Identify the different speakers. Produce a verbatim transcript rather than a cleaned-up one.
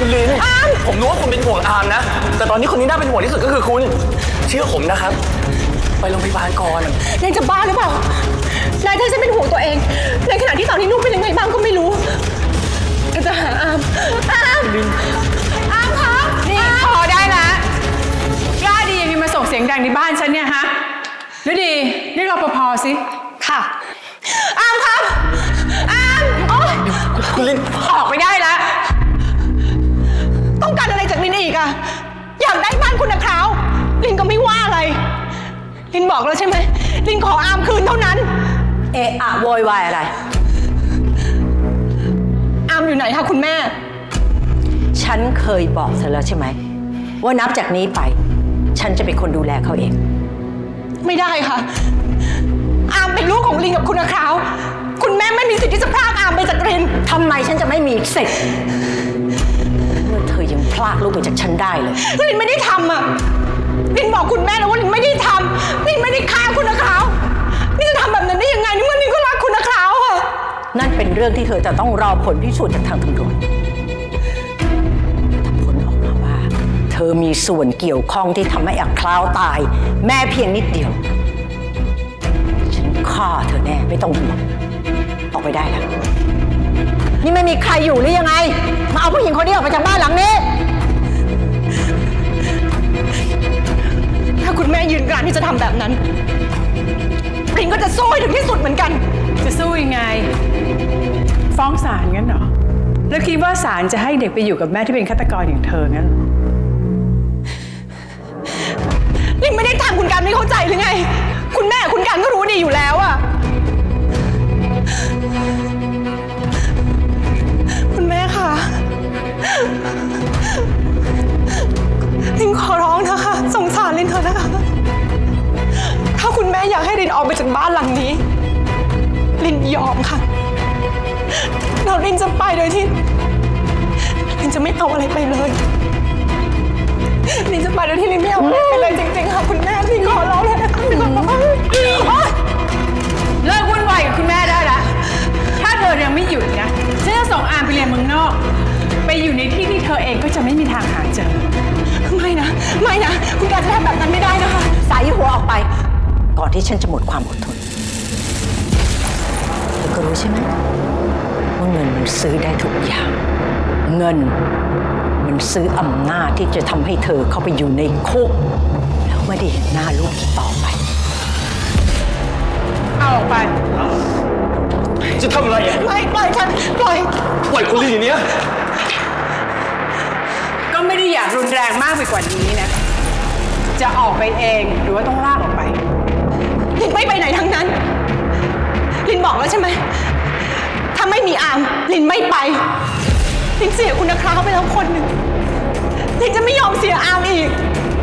Speaker 1: คุณลินอามผมรู้ว่าคุณเป็นห่วงอามนะแต่ตอนนี้คนที่น่าเป็นห่วงที่สุดก็คือคุณเชื่อผมนะครับไปโรงพยาบาลก่อน
Speaker 2: นายจะบ้าหรือเปล่านายถ้าฉันเป็นห่วงตัวเองในขณะที่ตอนนี้นุ่มเป็นยังไงบ้างก็ไม่รู้จะหาอามอามอามคะ
Speaker 3: นี่พอได้ละกล้าดียังไงมาส่งเสียงดังในบ้านฉันเนี่ยฮะฤดีเรียกรปภสิ
Speaker 2: ค่ะอามครับอามโอ๊ย
Speaker 1: คุณลิน
Speaker 3: ออกไปได้แล้ว
Speaker 2: ต้องการอะไรจากลินอีกอะอยากได้บ้านคุณนะคราวลินก็ไม่ว่าอะไรลินบอกแล้วใช่ไหมลินขออามคืนเท่านั้น
Speaker 4: เอะอะโวยวายอะไร
Speaker 2: อามอยู่ไหนคะคุณแม่
Speaker 4: ฉันเคยบอกเธอแล้วใช่ไหมว่านับจากนี้ไปฉันจะเป็นคนดูแลเขาเอง
Speaker 2: ไม่ได้ค่ะอามเป็นลูกของลินกับคุณนะคราวคุณแม่ไม่มีสิทธิ์ที่จะพรากอามไปจากลิน
Speaker 4: ทำไมฉันจะไม่มีสิทธิ์เมื่อเธอยังพลากลูกไปจากฉันได้เลย
Speaker 2: ลินไม่ได้ทำอ่ะลินบอกคุณแม่แล้วว่าลินไม่ได้ทำลินไม่ได้ฆ่าคุณนะคราวนี่จะทำแบบนั้นได้ยังไงนี่เมื่อลินก็รักคุณนะคราวอ่ะ
Speaker 4: นั่นเป็นเรื่องที่เธอจะต้องรอผลพิสูจน์จากทางตำรวจถ้าผลออกมาว่าเธอมีส่วนเกี่ยวข้องที่ทำให้อักคราวตายแม่เพียงนิดเดียวฉันฆ่าเธอแน่ไม่ต้องห่วงออกไปได้แล้วนี่ไม่มีใครอยู่หรือยังไงมาเอาผู้หญิงคนนี้ออกไปจากบ้านหลังนี้
Speaker 2: ถ้าคุณแม่ยืนกรานที่จะทำแบบนั้นลินก็จะสู้ให้ถึงที่สุดเหมือนกัน
Speaker 3: จะสู้ยังไงฟ้องศาลงั้นเหรอแล้วคิดว่าศาลจะให้เด็กไปอยู่กับแม่ที่เป็นฆาตกรอย่างเธองั้นเหรอ
Speaker 2: ลินไม่ได้ทำคุณการไม่เข้าใจหรือไงคุณแม่คุณการก็รู้ดีอยู่แล้วอะคุณแม่ค่ะลินขอร้องนะคะสงสารลินเถอะนะคะถ้าคุณแม่อยากให้ลินออกไปจากบ้านหลังนี้ลินยอมค่ะเราลินจะไปโดยที่ลินจะไม่เอาอะไรไปเลยลินจะไปโดยที่ลินไม่เอาอะไรไปเลยจริงๆค่ะคุณแม่ลินขอร้องเลยนะคะลินขอร้อง
Speaker 3: เลิกวุ่นวายกับคุณแม่ได้ละถ้าเธอยังไม่หยุดนะฉันจะส่งอามไปเรียนเมืองนอกไปอยู่ในที่ที่เธอเองก็จะไม่มีทางหาเจอ
Speaker 2: ไม่นะไม่นะคุณการจะทำแบบนั้นไม่ได้นะคะ
Speaker 4: ใส่หัวออกไปก่อนที่ฉันจะหมดความอดทนเธอก็รู้ใช่ไหมว่าเงินมันซื้อได้ทุกอย่างเงินมันซื้ออำนาจที่จะทำให้เธอเข้าไปอยู่ในคุกแล้วไม่ได้เห็นหน้าลูกอีกต่อไป
Speaker 3: เอาออกไป
Speaker 1: จะทำอะไรอ่ะ
Speaker 2: ไม่ปล่อยฉันปล่อย
Speaker 1: ปล่อยคุณลินอย่างนี้
Speaker 3: ก็ไม่ได้อยากรุนแรงมากไปกว่านี้นะจะออกไปเองหรือว่าต้องลากออกไป
Speaker 2: ลินไม่ไปไหนทั้งนั้นลินบอกแล้วใช่ไหมถ้าไม่มีอามลินไม่ไปลินเสียคุณนะคราวไปแล้วคนหนึ่งลินจะไม่ยอมเสียอามอีก